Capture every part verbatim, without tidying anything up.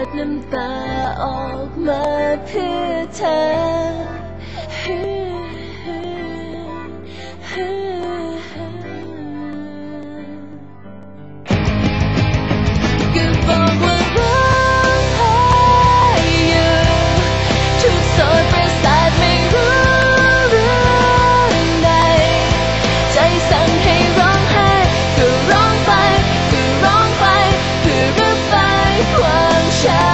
น้ำตาออกมาเพื่อเธอก็บอกว่าร้องไห้อยู่ทุกโสดประสาทไม่รู้เรื่องใดใจสั่งให้ร้องไห้ก็ร้องไปก็ร้องไปเพื่อระบายความช้ำ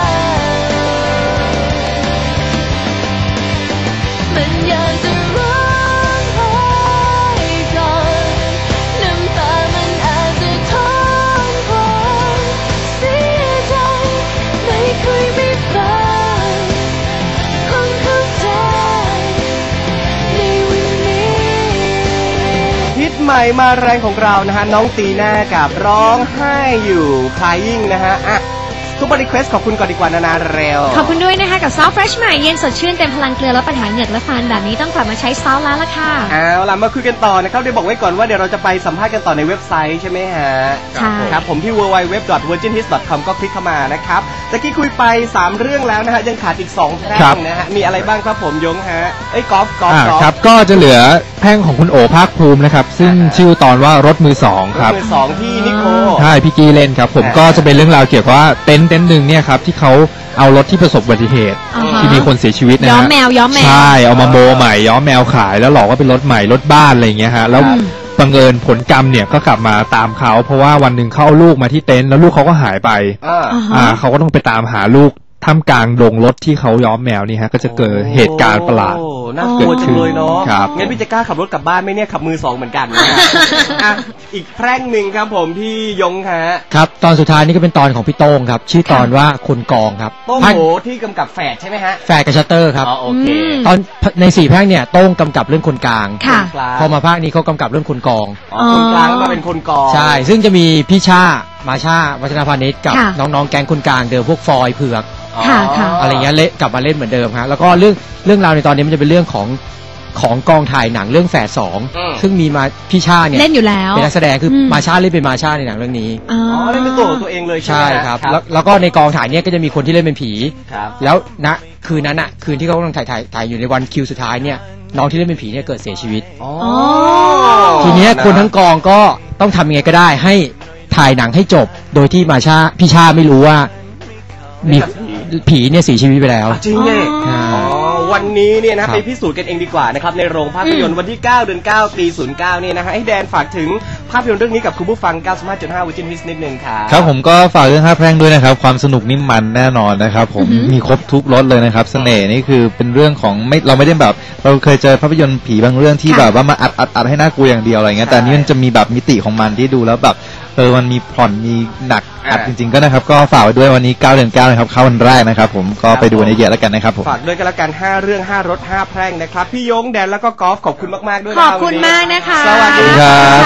มันอยากจะร้องไห้ก่อนน้ำตามันอาจจะท้องพองเสียใจไม่คุยไม่ฟังคงเข้าใจในวันนี้ฮิตใหม่มาแรงของเรานะฮะน้องตีน่ากับร้องไห้อยู่ Crying นะฮะอ่ะทุกบริเควสขอบคุณก่อนดีกว่านานาเร็วขอบคุณด้วยนะคะกับซอฟต์เฟรชใหม่เย็นสดชื่นเต็มพลังเกลือและปัญหาเหงือกและฟันแบบนี้ต้องกลับมาใช้ซอฟต์แล้วล่ะค่ะเอาล่ะมาคุยกันต่อนะครับเดี๋ยวบอกไว้ก่อนว่าเดี๋ยวเราจะไปสัมภาษณ์กันต่อในเว็บไซต์ใช่ไหมฮะใช่ครับผมที่ ดับเบิลยู ดับเบิลยู ดับเบิลยู ดอท เวอร์จินฮิต ดอท คอม ก็คลิกเข้ามานะครับตะกี้คุยไปสามเรื่องแล้วนะฮะยังขาดอีกสองแพร่งนะฮะมีอะไรบ้างครับผมยงฮะเอ้ยกอล์ฟกอล์ฟครับก็จะเหลือแพ่งของคุณโอภาคภูมินะครับซึ่งชื่อตอนว่ารถมือสองครับรถมือสองที่นิโคใช่พี่กี้เล่นครับผมก็จะเป็นเรื่องราวเกี่ยวกับว่าเต็นท์เต็นท์หนึ่งเนี่ยครับที่เขาเอารถที่ประสบอุบัติเหตุที่มีคนเสียชีวิตนะฮะย้อมแมวย้อมแมวใช่เอามาโมใหม่ย้อมแมวขายแล้วหลอกว่าเป็นรถใหม่รถบ้านอะไรอย่างเงี้ยฮะแล้วบังเอิญผลกรรมเนี่ยก็กลับมาตามเขาเพราะว่าวันหนึ่งเขาเอาลูกมาที่เต็นท์แล้วลูกเขาก็หายไปอ่าเขาก็ต้องไปตามหาลูกท่ามกลางดงรถที่เขาย้อมแมวนี่ฮะก็จะเกิดเหตุการณ์ประหลาดน่ากลัวจังเลยเนาะงั้นพี่จะกล้าขับรถกลับบ้านไหมเนี่ยขับมือสองเหมือนกันนะอ่ะอีกแพร่งหนึ่งครับผมพี่ยงฮะครับตอนสุดท้ายนี่ก็เป็นตอนของพี่โต้งครับชื่อตอนว่าคนกองครับโต้งโหที่กำกับแฝดใช่ไหมฮะแฝดกับชัตเตอร์ครับอ๋อโอเคตอนในสี่แพร่งเนี่ยโต้งกำกับเรื่องคนกลางค่ะพอมาภาคนี้เขากำกับเรื่องคนกองอ๋อคนกลางมาเป็นคนกองใช่ซึ่งจะมีพี่ชามาชาวัฒนพานิชกับน้องๆแก๊งคนกลางเดิมพวกฟอยเผือกอะไรเงี้ยเละกลับมาเล่นเหมือนเดิมฮะแล้วก็เรื่องเรื่องราวในตอนนี้มันจะเป็นเรื่องของของกองถ่ายหนังเรื่องแฝดสองซึ่งมีมาพี่ชาเนี่ยเล่นอยู่แล้วเป็นนักแสดงคือมาชาเล่นเป็นมาชาในหนังเรื่องนี้อ๋อเล่นเป็นตัวของตัวเองเลยใช่ครับแล้วแล้วก็ในกองถ่ายเนี่ยก็จะมีคนที่เล่นเป็นผีแล้วณคืนนั้นอ่ะคืนที่เขากำลังถ่ายถ่ายถ่ายอยู่ในวันคิวสุดท้ายเนี่ยน้องที่เล่นเป็นผีเนี่ยเกิดเสียชีวิตทีนี้คนทั้งกองก็ต้องทำยังไงก็ได้ให้ถ่ายหนังให้จบโดยที่มาชาพี่ชาไม่รู้ว่ามีผีเนี่ยเสียชีวิตไปแล้วจริงเนี่ยอ๋อวันนี้เนี่ยนะไปพิสูจน์กันเองดีกว่านะครับในโรงภาพยนตร์วันที่เก้าเดือนเก้าปีศูนย์เก้าเนี่ยนะฮะให้แดนฝากถึงภาพยนตร์เรื่องนี้กับคุณผู้ฟัง เก้าสิบห้าจุดห้า Virgin Hits นิดนึงครับครับผมก็ฝากเรื่องห้าแพร่งด้วยนะครับความสนุกนิ่มมันแน่นอนนะครับผมมีครบทุกรสเลยนะครับเสน่ห์นี่คือเป็นเรื่องของไม่เราไม่ได้แบบเราเคยเจอภาพยนตร์ผีบางเรื่องที่แบบว่ามาอัดอัดอัดให้น่ากลัวอย่างเดียวอะไรเงี้ยแต่นี่มันจะมีแบบมิติของมันที่ดูแล้วแบบเออมันมีผ่อนมีหนักอัดจริงๆก็นะครับก็ฝากไว้ด้วยวันนี้เก้าเดือนเก้านะครับเข้าวันแรกนะครับผมก็ไปดูในเยอะแล้วกันนะครับผมฝากด้วยกันละกันห้าเรื่องห้ารถห้าแพร่งนะครับพี่ยงแดนแล้วก็กอล์ฟขอบคุณมากๆด้วยขอบคุณมากนะคะสวัสดีครับ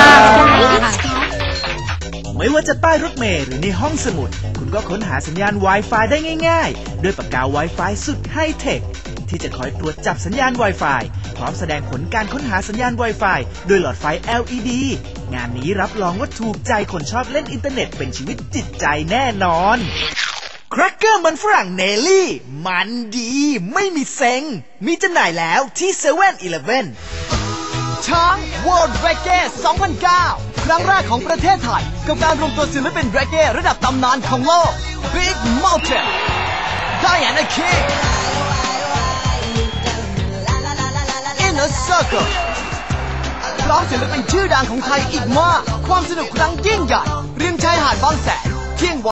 ไม่ว่าจะใต้รถเมล์หรือในห้องสมุดคุณก็ค้นหาสัญญาณ Wi-Fi ได้ง่ายๆด้วยปากกา Wi-Fi สุดไฮเทคที่จะคอยตรวจจับสัญญาณ Wi-Fi พร้อมแสดงผลการค้นหาสัญญาณ Wi-Fi ด้วยหลอดไฟ แอล อี ดี งานนี้รับรองว่าถูกใจคนชอบเล่นอินเทอร์เน็ตเป็นชีวิตจิตใจแน่นอนแครกเกอร์มันฝรั่งเนลลี่มันดีไม่มีเซ็งมีจำหน่ายแล้วที่ เซเว่น อีเลฟเว่น ช้าง World Reggae สองพันเก้า ครั้งแรกของประเทศไทยกับการรวมตัวศิลปิน Reggae ระดับตำนานของโลก Big Mountain Diana King Inner Circle พร้อมศิลปินชื่อดังของไทยอีกมากความสนุกครั้งยิ่งใหญ่ริมชายหาดบางแสนเที่ยง